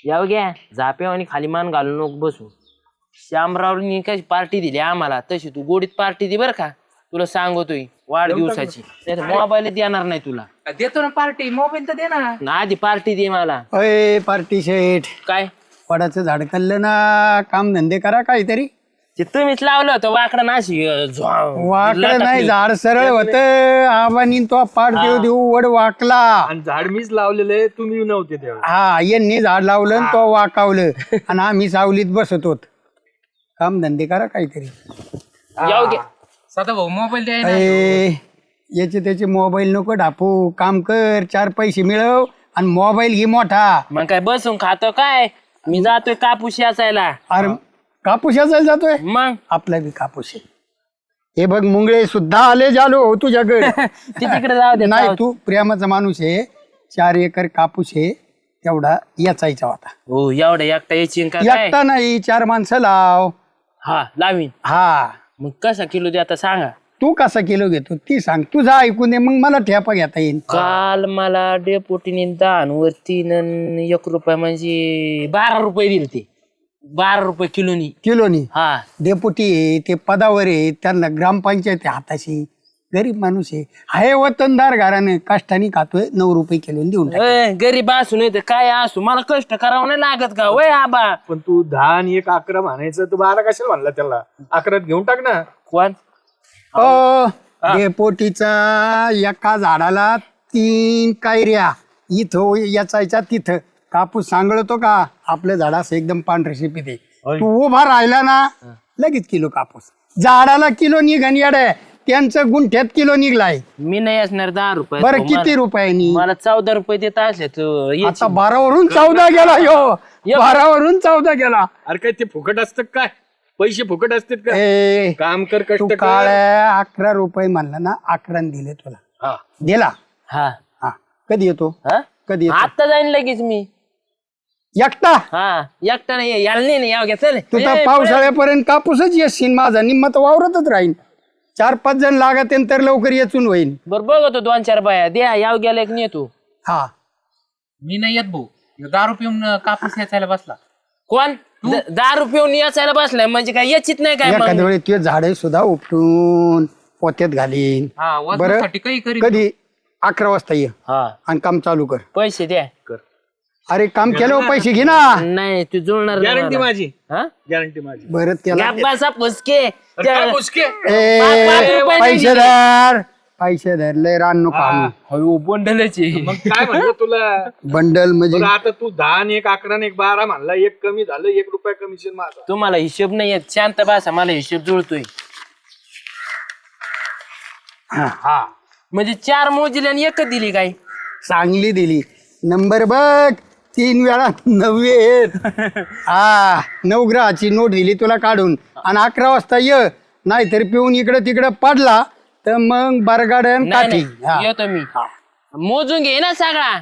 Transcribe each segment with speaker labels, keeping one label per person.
Speaker 1: याव घ्या झाप्यावानी खाली मान घालून नको बसू. श्यामरावनी कशी पार्टी दिली आम्हाला तशी तू गोडीत पार्टी दे बरं का. तुला सांगतोय वाढदिवसाची. नाही मोबाईल देणार नाही तुला.
Speaker 2: देतो ना पार्टी, मोबाईल तर दे ना.
Speaker 1: आधी पार्टी दे मला.
Speaker 3: अय पार्टी शेठ,
Speaker 1: काय
Speaker 3: वडाचं झाड खाल्लं ना, काम धंदे करा काहीतरी.
Speaker 1: ते तुम्हीच लावलं होतं वाकडं नाशी
Speaker 3: वाकडं नाही, झाड सरळ होत. आबानी तो पाठ देऊ देऊ वड वाकला.
Speaker 4: आणि झाड मीच लावलेलं आहे, तुम्ही नव्हते तेव्हा.
Speaker 3: हा, यांनी झाड लावलं आणि तो वाकावलं आणि आम्ही सावलीत बसत होत. काम धंदे करा काहीतरी.
Speaker 1: याव घ्या.
Speaker 2: सदा भाऊ मोबाईल द्याय ना.
Speaker 3: अय, याचे त्याचे मोबाईल नको ढापू. काम कर, 4 पैसे मिळव आणि मोबाईल घे मोठा.
Speaker 1: मग काय बसून खातो काय. मी जातोय कापूस याचायला.
Speaker 3: अरे कापूस याचायला जातोय.
Speaker 1: मग
Speaker 3: आपला बी कापूस आहे. हे बघ मुंगळे सुद्धा आले जालो तुझ्याकडे.
Speaker 1: ते तिकडे जाऊ दे.
Speaker 3: नाही, तू प्रेमाचा माणूस आहे. 4 एकर कापूस आहे, तेवढा याचायचा होता.
Speaker 1: हो एवढा एकटा यायची का काय.
Speaker 3: एकटा नाही, 4 माणसं लाव.
Speaker 1: हा लावीन.
Speaker 3: हा,
Speaker 1: मग कसा किलो दे आता सांगा.
Speaker 3: तू कसा किलो घेतो ती सांग. तुझा ऐकून दे, मग मला ठेपा घेता येईल.
Speaker 1: काल मला डेपोटीने 10 वरती 1 रुपये म्हणजे 12 रुपये दिले. ते 12 रुपये
Speaker 3: किलोनी.
Speaker 1: हा
Speaker 3: डेपुटी आहे, ते पदावर आहे, त्यांना ग्रामपंचायत आहे हाताशी. गरीब माणूस आहे वतनदार घराने, कष्टाने खातोय. 9 रुपये किलो देऊन टाक.
Speaker 1: गरीब असू नाही तर काय असू मला कष्ट करावं नाही लागत का वय आबा.
Speaker 4: पण तू 10 आणि 1 11 म्हणायचं, तू 12 कशाला म्हणला त्याला. 11 घेऊन टाक ना.
Speaker 1: कोण
Speaker 3: डेपोटीचा एका झाडाला 3 कायऱ्या. इथं याचायच्या तिथं. कापूस सांगळतो का आपलं झाड असं एकदम पांढरे शिपीत आहे. तू उभा राहिला ना लगेच किलो कापूस. झाडाला किलो निघन येडे, त्यांचं गुंठ्यात किलो निघलाय.
Speaker 1: मी नाही असणार 10 रुपये.
Speaker 3: बरं किती रुपयांनी.
Speaker 1: मला 14 रुपये देत असले तू
Speaker 3: आता 12 वरून 14 गेला. यो 12 वरून 14 गेला.
Speaker 4: अरे काय ते फुकट असतं काय. पैसे फुकट असतात का.
Speaker 3: ए,
Speaker 4: काम कर,
Speaker 3: तू
Speaker 4: कष्ट कर.
Speaker 3: काळ 11 रुपये म्हणला ना, 11 दिले तुला.
Speaker 4: हा.
Speaker 3: दिला.
Speaker 1: हा
Speaker 3: हा, कधी येतो.
Speaker 1: हा?
Speaker 3: कधी येतो.
Speaker 1: आता जाईन लगेच मी.
Speaker 3: एकटा
Speaker 1: हा एकटा नाही यायला नाही याव घ्या चल.
Speaker 3: तू तर पावसाळ्यापर्यंत कापूसच येशील. माझा निम्मत वावरतच राहीन. 4-5 जण लागत तर लवकर येचून होईल.
Speaker 1: बरं बघतो 2-4 बाया द्या याव गेला एक नेतो.
Speaker 3: हा,
Speaker 2: मी नाही येत भाऊ. 10 रुपये कापूस याचायला बसला.
Speaker 1: कोण 10 रुपये याचायला बसलाय म्हणजे काय याचीत नाही काय मग?
Speaker 3: एखाद्या वेळी ते झाडे सुद्धा उपटून पोत्यात घालीन.
Speaker 2: हा
Speaker 3: बरं
Speaker 2: वजनासाठी काही करीत.
Speaker 3: कधी 11 वाजता ये
Speaker 1: हा
Speaker 3: आणि काम चालू कर.
Speaker 1: पैसे द्या.
Speaker 3: अरे काम केल्यावर पैसे घे ना.
Speaker 1: नाही तू जुळणार नाही
Speaker 4: गॅरंटी
Speaker 1: मला.
Speaker 4: माझी.
Speaker 1: हा?
Speaker 4: गॅरंटी माझी.
Speaker 3: बरं त्याला
Speaker 1: गप्पाचा पुसके
Speaker 4: काय पुसके?
Speaker 3: ए,
Speaker 1: 5 रुपये
Speaker 3: पैसे धर. पैसे धरले रान नको आणू.
Speaker 1: हळू बंडलाची.
Speaker 4: मग काय म्हणलं तुला.
Speaker 3: बंडल म्हणजे
Speaker 4: बरं आता तू 10 आणि 1 11 आणि 1 12 म्हणला. 1 कमी झालं, 1 रुपया कमिशन माझा.
Speaker 1: तुम्हाला हिशोब नाही येत. शांत बसा मला हिशोब जुळतोय.
Speaker 4: हा
Speaker 1: म्हणजे 4 मोजले आणि 1 दिली काय.
Speaker 3: चांगली दिली. नंबर बघ 3 वेळा 9 आहेत. हा 9 ग्रहाची नोट दिली तुला काढून. आणि 11 वाजता ये, नाहीतर पिऊन इकडं तिकडं पडला तर मग बरगाड्यान
Speaker 1: नाही
Speaker 3: काठी.
Speaker 1: नाही, येतो मी. मोजून घे ना सगळा.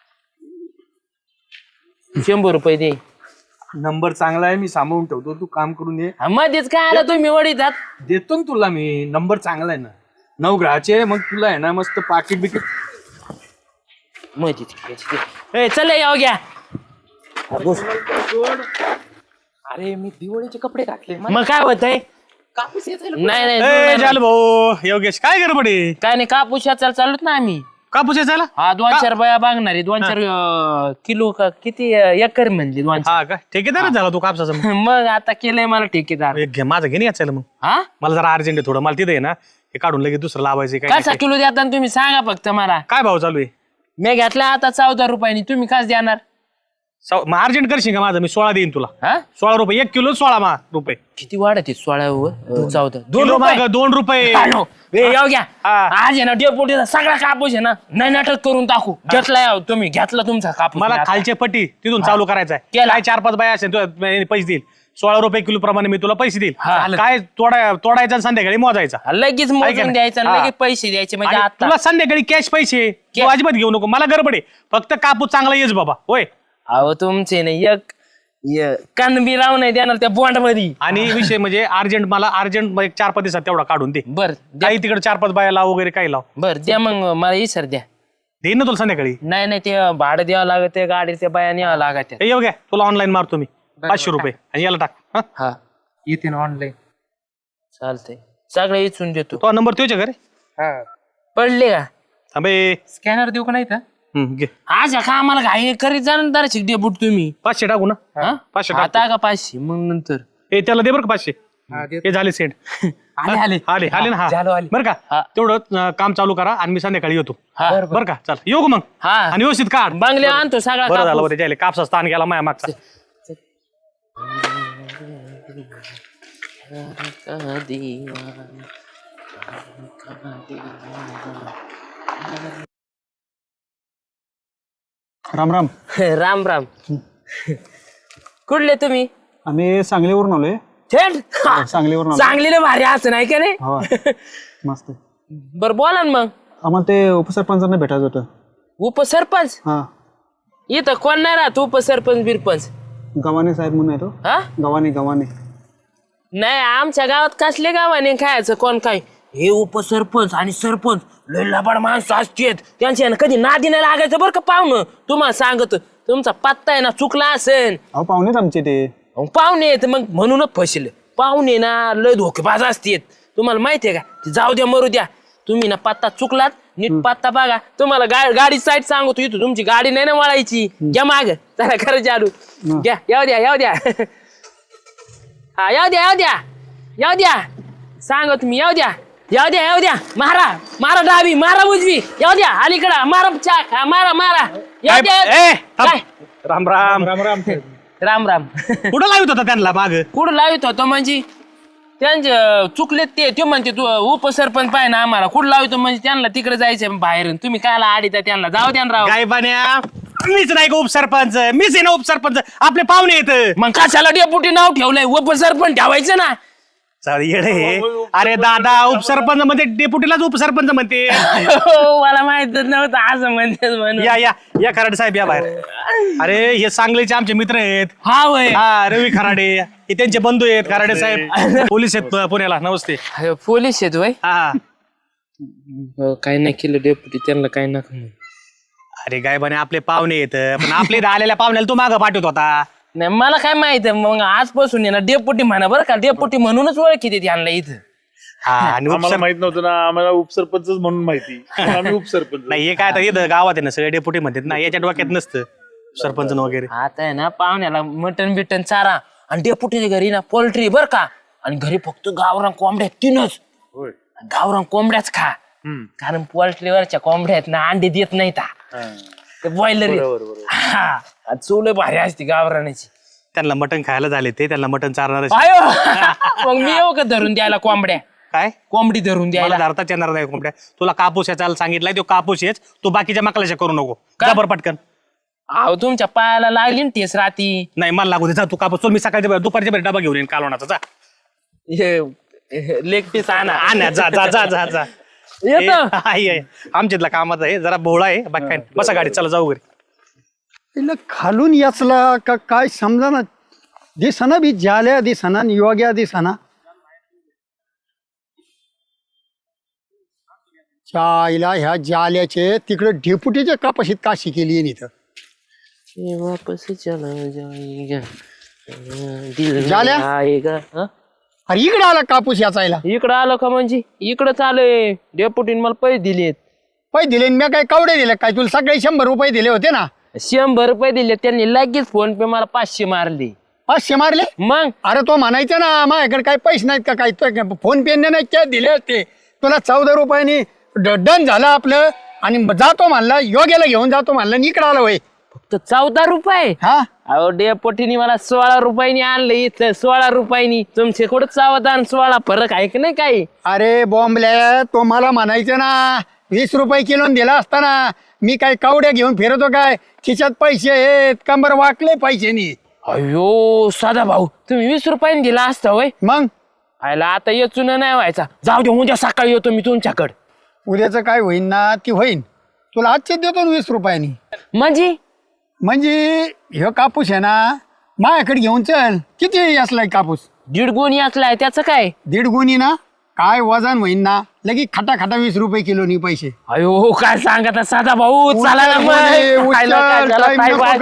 Speaker 1: 100 रुपये दे.
Speaker 4: नंबर चांगला आहे, मी सांभाळून ठेवतो. तू काम करून ये.
Speaker 1: हा, मध्येच काय आला तुम्ही वडीतात.
Speaker 4: देतो ना तुला मी. नंबर चांगला आहे ना. 9 ग्रहाचे. मग तुला आहे ना मस्त पाकिट बिकिट.
Speaker 1: मध्येच चल याव घ्या.
Speaker 2: अरे मी दिवाळीचे कपडे घातले.
Speaker 1: मग काय होतंय.
Speaker 2: कापूस याचायला
Speaker 1: नाही नाही
Speaker 5: ए
Speaker 1: जुळणार
Speaker 5: चाल भाऊ योगेश काय गडबड आहे.
Speaker 1: काय नाही कापूस याचायला चालूत ना आम्ही.
Speaker 5: कापूस यायला.
Speaker 1: हा 2-4 बाया बागणार आहे. 2-4 किलो का किती एकर म्हणली 2-4.
Speaker 5: हा का ठेकेदारच झाला तू कापसाचा मग.
Speaker 1: मग आता केलंय मला ठेकेदार.
Speaker 5: एक घे माझं घे नाही याचायला मग.
Speaker 1: हा
Speaker 5: मला जरा अर्जंट आहे थोडं. मला तिथे आहे ना हे काढून लगेच दुसरं लावायचं काय
Speaker 1: कसा किलो देता तुम्ही सांगा फक्त मला.
Speaker 5: काय भाव चालू आहे.
Speaker 1: मी घेतला आता 14 रुपयांनी. तुम्ही काच देणार.
Speaker 5: मग अर्जंट करशील का माझं. मी 16 देईन तुला.
Speaker 1: हा
Speaker 5: 16 रुपये 1 किलो 16 रुपये.
Speaker 1: किती वाढत 16 14 2
Speaker 5: किलो
Speaker 1: रुपये.
Speaker 5: मागं 2 रुपये.
Speaker 1: हॅलो, ए, याव घ्या.
Speaker 5: हा.
Speaker 1: आज आहे ना डेपोटीचा सगळा कापूस आहे ना नाही नाटक करून टाकू. घेतला याव तुम्ही घेतला तुमचा कापूस.
Speaker 5: मला
Speaker 1: आता.
Speaker 5: खालचे पट्टी तिथून चालू करायचं आहे.
Speaker 1: केला.
Speaker 5: काय 4-5 बाया असेल तुला पैसे देईल. 16 रुपये किलो प्रमाणे मी तुला पैसे देईल.
Speaker 1: हा.
Speaker 5: काय तोडायचा आणि संध्याकाळी मोजायचा.
Speaker 1: लगेच
Speaker 5: ऐका
Speaker 1: मोजून
Speaker 5: ना.
Speaker 1: द्यायचं आणि
Speaker 5: हा.
Speaker 1: लगेच पैसे द्यायचे म्हणजे
Speaker 5: आणि
Speaker 1: आता.
Speaker 5: तुला संध्याकाळी कॅश पैसे तू अजिबात घेऊ नको. मला गडबड आहे. फक्त कापूस चांगला येस बाबा. होय.
Speaker 1: अहो तुमचे नाही एक कानबी राव नाही देणार त्या बॉन्ड मध्ये.
Speaker 5: आणि विषय म्हणजे अर्जंट मला अर्जंट 4-5 दिवसात तेवढा काढून दे.
Speaker 1: बर द्या.
Speaker 5: काही तिकडे 4-5 बाया लाव वगैरे काही लाव.
Speaker 1: बर द्या मग मला इसर द्या.
Speaker 5: देईन ना तुला संध्याकाळी.
Speaker 1: नाही नाही ते भाडं द्यावं लागत ते गाडी त्या बाया न्यावं लागत
Speaker 5: हे घ्या तुला ऑनलाईन मारतो मी 500 रुपये आणि याला टाक. हा
Speaker 1: हा
Speaker 2: येते ना ऑनलाईन.
Speaker 1: चालतंय सगळं इचून देतो.
Speaker 5: तो नंबर तुझ्या घरी
Speaker 1: पडले का
Speaker 5: थांबे.
Speaker 2: स्कॅनर देऊ का नाही तर?
Speaker 5: घे
Speaker 1: आज का आम्हाला घाई करीत जाणार डेबूट तुम्ही
Speaker 5: 500 टाकू ना.
Speaker 1: हा?
Speaker 5: 500 टाक.
Speaker 1: आता का 500 मग नंतर
Speaker 5: हे त्याला दे बरं का 500.
Speaker 2: हा, देतो.
Speaker 5: हे झाले सेंड.
Speaker 2: आले आले
Speaker 5: आले ना. हा
Speaker 2: झालो, आले.
Speaker 5: बरं
Speaker 1: हा.
Speaker 5: का तेवढं काम चालू करा आणि मी संध्याकाळी येतो.
Speaker 1: हा
Speaker 5: बरं का चल येऊ का मग.
Speaker 1: हा
Speaker 5: आणि व्यवस्थित काढ.
Speaker 1: बंगले आणतो सगळा
Speaker 5: बरं झालं
Speaker 1: कापूस.
Speaker 5: बरं त्याला कापसा स्थान गेला माया मागचा.
Speaker 3: राम राम.
Speaker 1: राम राम कुठले तुम्ही
Speaker 3: आम्ही सांगलीवरून आलोय.
Speaker 1: थेट
Speaker 3: सांगलीवरून
Speaker 1: चांगलेलं भारी असं नाही का नाही
Speaker 3: हो मस्त.
Speaker 1: बरं बोला ना मग.
Speaker 3: आम्हाला ते उपसरपंचांना भेटायचं होतं.
Speaker 1: उपसरपंच
Speaker 3: हा
Speaker 1: इथं कोण नाही राहत उपसरपंच बिरपंच.
Speaker 3: गव्हाणे साहेब म्हणून येतो.
Speaker 1: हा
Speaker 3: गव्हाणे
Speaker 1: नाही आमच्या गावात कसले गावाने खायचं कोण काय हे उपसरपंच आणि सरपंच लय लबाड माणसं असतेत त्यांच्या कधी नादी नाही लागायचं बरं का पाहुणं. तुम्हाला सांगत तुमचा पत्ता आहे ना चुकला असेल.
Speaker 3: अहो पाहुणेच आमचे ते.
Speaker 1: पाहुणे येत मग म्हणूनच फसले पाहुणे ना लय धोकेबाज असतेत. तुम्हाला माहितीये का ते जाऊ द्या मरू द्या. तुम्ही ना पत्ता चुकलात नीट पत्ता बघा. तुम्हाला गाडी साईड सांगतो इथं तुमची गाडी नाही ना वळायची. घ्या माग जरा खरं चालू घ्या. येऊ द्या हा येऊ द्या सांगा तुम्ही येऊ द्या मारा डावी मारा उजवी येऊ द्या अलीकडा मारा चाक मारा येऊ द्या.
Speaker 5: ए, थांब.
Speaker 1: काय?
Speaker 5: राम राम.
Speaker 1: राम राम
Speaker 5: कुठं लावित होता त्यांना माग.
Speaker 1: कुठं लावित होतो म्हणजे त्यांचे चुकलेत ते म्हणते तू उपसरपंच पाहिजे ना आम्हाला कुठं लावितो म्हणजे त्यांना तिकडे जायचं बाहेर. तुम्ही कायला आडीता त्यांना जाऊ द्या ना राव.
Speaker 5: काय बन्या मीच नाही का उपसरपंच. मीच आहे ना उपसरपंच. आपले पाहुणे येत.
Speaker 1: मग कशाला डेपुटी नाव ठेवलंय उपसरपंच ठेवायचं ना.
Speaker 5: येडे. अरे दादा उपसरपंच म्हणजे डेप्युटीलाच उपसरपंच म्हणते.
Speaker 1: हो, मला माहितच नव्हतं असं म्हणते म्हणून.
Speaker 5: या खराडे साहेब या बाहेर. अरे हे सांगलीचे आमचे मित्र आहेत.
Speaker 1: हा वय
Speaker 5: हा रवी खराडे हे त्यांचे बंधू आहेत. खराडे साहेब पोलीस आहेत पुण्याला. नमस्ते.
Speaker 1: पोलीस आहेत वय
Speaker 5: हा
Speaker 1: काय नाही केलं डेपुटी त्यांना काय नका म्हणू.
Speaker 5: अरे काय बने आपले पाहुणे येत पण आपले इथं आलेल्या पाहुण्याला तू मागं पाठवत होता.
Speaker 1: नाही मला काय माहित मग आजपासून आहे ना डेपुटी म्हणा बरं का. डेपुटी म्हणूनच ओळखी त्यांना इथं.
Speaker 5: हा आणि
Speaker 4: आम्हाला माहित नव्हतं ना. आम्हाला उपसरपंच म्हणून माहिती. आम्ही उपसरपंच.
Speaker 5: नाही हे काय तर इथं गावात आहे ना सगळे डेप्युटी म्हणतात ना. याच्या डोक्यात नसतं सरपंच वगैरे.
Speaker 1: आता आहे ना पाहुण्याला मटन बिटन चारा आणि डेपुटीच्या घरी ना पोल्ट्री बरं का. आणि घरी फक्त गावरान कोंबड्या 3च. गावरान कोंबड्याच खा कारण पोल्ट्रीवरच्या कोंबड्या आहेत ना अंडे देत नाहीत. ते बॉयलर चूल भारी असते गावरानाची.
Speaker 5: त्यांना मटण खायला झाले ते त्यांना मटण चारणार.
Speaker 1: आयो मग मी येऊ का धरून द्यायला कोंबड्या.
Speaker 5: काय
Speaker 1: कोंबडी धरून द्यायला.
Speaker 5: मला धरताच येणार नाही कोंबड्या. तुला कापूस याचा सांगितलाय तो कापूस येच. तू बाकीच्या मकलाच्या करू नको. जबर पटकन.
Speaker 1: अहो तुमच्या पायाला लागली ना ठेस राती.
Speaker 5: नाही मला लागू दे. जा तू कापूस. चल मी सकाळच्या दुपारच्या वेळी डबा घेऊन येईन कालवणाचा. जा
Speaker 1: लेग पीस आणा.
Speaker 5: जा जा जा जा जा.
Speaker 1: येतो
Speaker 5: आमच्यातला कामाचा आहे जरा भोळा आहे. बाकी काय बसा गाडी चला जाऊ घरी.
Speaker 3: तिला खालून याचला का काय समजा ना. दिसना बी जाल्या दिसना योग्या दिसना. चायला ह्या जाल्याचे तिकडे डेपुटीच्या कापाशीत काशी केली आहे इथं.
Speaker 1: वापस चला जाएगा दिल
Speaker 3: झाल्या?
Speaker 1: आएगा. हं?
Speaker 3: अरे इकडे आला कापूस याचायला.
Speaker 1: इकडं आलं का म्हणजे इकडं चालय. डेपुटीने मला पैसे दिलेत.
Speaker 3: पैसे दिले मी काय कवडे दिले काय तुला सगळे 100 रुपये दिले होते ना.
Speaker 1: 100 रुपये दिले त्यांनी लगेच फोन पे मला 500 मारले.
Speaker 3: 500 मारले.
Speaker 1: मग
Speaker 3: अरे तो म्हणायचं ना माझ्याकडे काही पैसे नाहीत का काय फोन पे नाही काय दिले असते तुला 14 रुपयांनी डन झालं आपलं. आणि जातो म्हणला योग्याला घेऊन जातो म्हणलं इकडं आलं वय.
Speaker 1: फक्त 14 रुपये.
Speaker 3: हा
Speaker 1: अहो डेपुटीने मला 16 रुपयांनी आणलं इथं. 16 रुपयांनी तुमचे कुठं 14 आणि 16 फरक आहे की नाही काही.
Speaker 3: अरे बॉम्बल्या तो मला म्हणायचं ना 20 रुपये किलो दिला असताना मी काय कवड्या घेऊन फिरतो काय. खिशात पैसे आहेत कंबर वाकले पैशानी.
Speaker 1: अयो साधा भाऊ तुम्ही 20 रुपयांनी दिला असता होय.
Speaker 3: मग
Speaker 1: आयला आता येचून नाही व्हायचा. जाऊ दे उद्या सकाळी येतो मी तुमच्याकडे.
Speaker 3: उद्याचं काय होईन ना ती होईन. तुला आजचे देतो ना 20 रुपयांनी. म्हणजे ह्यो कापूस आहे ना माझ्याकडे घेऊन चल. किती असलाय कापूस.
Speaker 1: 1.5 गुणी असलाय त्याचं काय.
Speaker 3: 1.5 गुणी ना काय वजन होईन ना लगी खटा खटा 20 रुपये किलोनी पैसे.
Speaker 1: अयो काय सांगता साधा भाऊ चला ना मग. खायला काय झालं, काय बाय.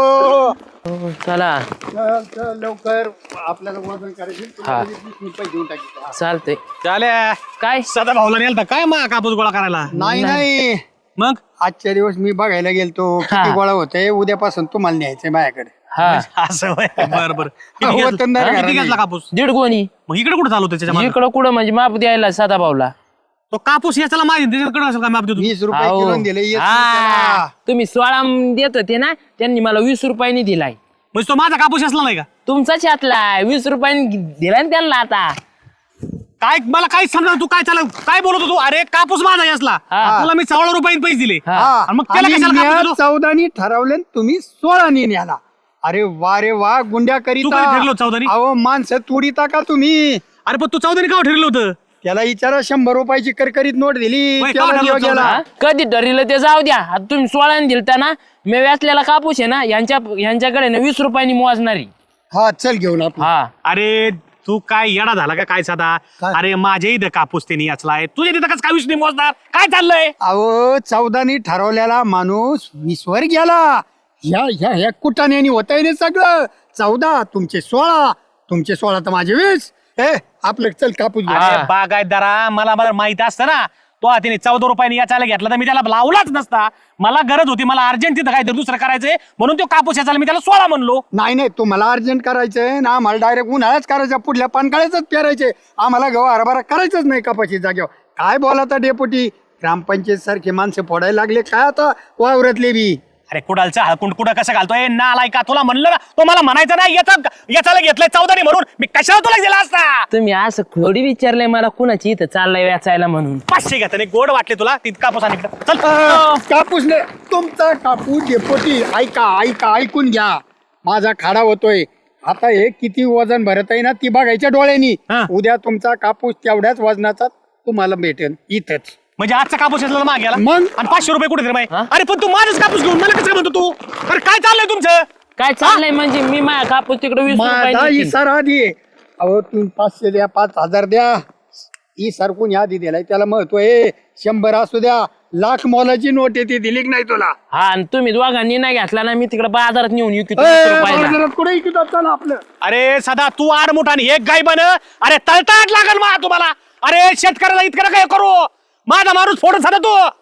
Speaker 1: हो, चला
Speaker 3: चल चल लवकर आपल्याला वजन करायचे. तुला 20 रुपये घेऊन टाकी.
Speaker 1: चालते.
Speaker 5: चाल्या
Speaker 1: काय
Speaker 5: सदा भाऊला नेलता काय मग कापूस गोळा करायला?
Speaker 3: नाही
Speaker 5: मग
Speaker 3: आजच्या दिवस मी बघायला गेलतो किती गोळा होते. उद्यापासून तुम्हाला न्यायचंय माझ्याकडे.
Speaker 1: हा
Speaker 5: असं होय. बरं बरं
Speaker 3: वतनदार
Speaker 5: किती
Speaker 3: घराणे.
Speaker 5: घेतला कापूस?
Speaker 1: 1.5 गोणी.
Speaker 5: मग इकडे कुठं चालू त्याच्या मागे?
Speaker 1: इकडं कुठं म्हणजे माप द्यायला साधा भाऊला.
Speaker 5: तो कापूस याच्याला माहिती त्याच्याकडे असेल काय माप देतो?
Speaker 3: 20 रुपये
Speaker 1: अहो.
Speaker 3: किलो दिले. येत नाही
Speaker 1: हा.
Speaker 3: त्याला.
Speaker 1: तुम्ही 16 देत होते ना त्यांनी मला 20 रुपयांनी दिलाय.
Speaker 5: म्हणजे तो माझा कापूस असला नाही का?
Speaker 1: तुमचाच यातला 20 रुपयांनी दिलाय ना त्यांना आता.
Speaker 5: काय मला काय समजा तू काय चालू काय बोलत होतो? अरे कापूस माझा असला
Speaker 1: हा.
Speaker 5: तुला मी 16 रुपयांनी पैसे दिले.
Speaker 1: हा.
Speaker 5: आणि मग त्याला
Speaker 3: आणि
Speaker 5: कशाला
Speaker 3: म्या
Speaker 5: कापूस दिलो?
Speaker 3: 14 ठरवले आणि तुम्ही 16 न्याला. अरे वा रे वा गुंड्या
Speaker 5: तू कधी ठरलो 14?
Speaker 3: अहो माणसं तुडीता का तुम्ही?
Speaker 5: अरे पण तू 14 का ठरलं होतं?
Speaker 3: त्याला विचारा 100 रुपयाची करकरीत नोट दिली.
Speaker 5: होय,
Speaker 3: त्याला
Speaker 5: का ठरलं
Speaker 3: देव
Speaker 5: होतं?
Speaker 3: गेला.
Speaker 1: हा? कधी ठरलं ते जाऊ द्या. आता तुम्ही 16 दिलता ना मी व्यासलेला कापूस आहे ना यांच्याकडे ना 20 रुपयांनी मोजणारी.
Speaker 3: हा चल घेऊन आपण.
Speaker 1: हा
Speaker 5: अरे तू काय येडा झाला का काय साधा?
Speaker 3: काय?
Speaker 5: अरे माझ्या इथं कापूस त्यांनी याचलाय तुझ्या तिथं कसं काय विषय मोजणार? काय चाललंय?
Speaker 3: अहो 14 ठरवलेला माणूस 20 वर गेला. ह्या कुटाण्यानी होत आहे सगळं. 14 तुमचे 16 तुमचे 16 तर माझे 20. आपलं चल कापूस घेऊ.
Speaker 5: अरे बागायतदारा मला माहित असतं ना तो तिने 14 रुपयाने याचायला घेतला तर मी त्याला लावलाच नसता. मला गरज होती मला अर्जंट तिथं काहीतरी दुसरं करायचंय म्हणून तो कापूस याचायला मी त्याला 16 म्हणलो.
Speaker 3: नाही तुम्हाला अर्जंट करायचंय ना आम्हाला डायरेक्ट उन्हाळ्याच करायचं. पुढल्या पानकाळ्याच पेरायचे. आम्हाला गहू हरभरा करायचंच नाही कपाशी जागेवर. काय बोलाता डेपुटी? ग्रामपंचायत सारखी माणसं फोडायला लागले काय आता वावरातले बी.
Speaker 5: अरे कुडालचा हळकुंड कुठं कसं घालतोय नालाय का? तुला म्हणलं ना तो मला म्हणायचं नाही याचाला घेतलंय 14 म्हणून मी कशाला तुला दिला असता?
Speaker 1: तुम्ही असं खोडी विचारलंय मला कुणाची इथं चाललंय व्याचायला म्हणून.
Speaker 5: 500 घेता नाही गोड वाटले तुला ती कापूस आणि इकडं. चल
Speaker 3: कापूस नाही तुमचा कापूस डेपोटी. ऐका ऐकून घ्या. माझा खाडा होतोय आता. हे किती वजन भरत आहे ना ती बघायच्या डोळ्यांनी.
Speaker 5: हा.
Speaker 3: उद्या तुमचा कापूस तेवढ्याच वजनाचा तुम्हाला भेटेल इथंच.
Speaker 5: म्हणजे आजचा कापूस यातला मागे गेला
Speaker 3: मग?
Speaker 5: आणि 500 रुपये कुठे दिले?
Speaker 1: हा?
Speaker 5: अरे पण तू माझाच कापूस घेऊन मला कसं म्हणतो तू? अरे काय चाललंय तुमचं?
Speaker 1: काय चाललंय म्हणजे मी माझ्या कापूस तिकडे 20
Speaker 3: माझा
Speaker 1: रुपयांनी देईन.
Speaker 3: इसारा आधी आहे. अहो तुम्ही 500 द्या 5000 द्या. इसार कोणी आधी दिलाय त्याला महत्व आहे. 100 असू द्या. लाख मोलाची नोट आहे ती दिली की नाही तुला?
Speaker 1: हा आणि तुम्ही दोघांनी नाही घेतला ना मी तिकडे बाजारात नेऊन विकतो 20
Speaker 3: ए,
Speaker 1: रुपयाला.
Speaker 3: बाजारात कुठे इकतात चला आपलं.
Speaker 5: अरे सदा तू आडमुठ आणि एक गाय बन. अरे तळताट लागल मा तुम्हाला. अरे शेतकऱ्याला इतकं काय करू? माझा माणूस फोडून सदा तू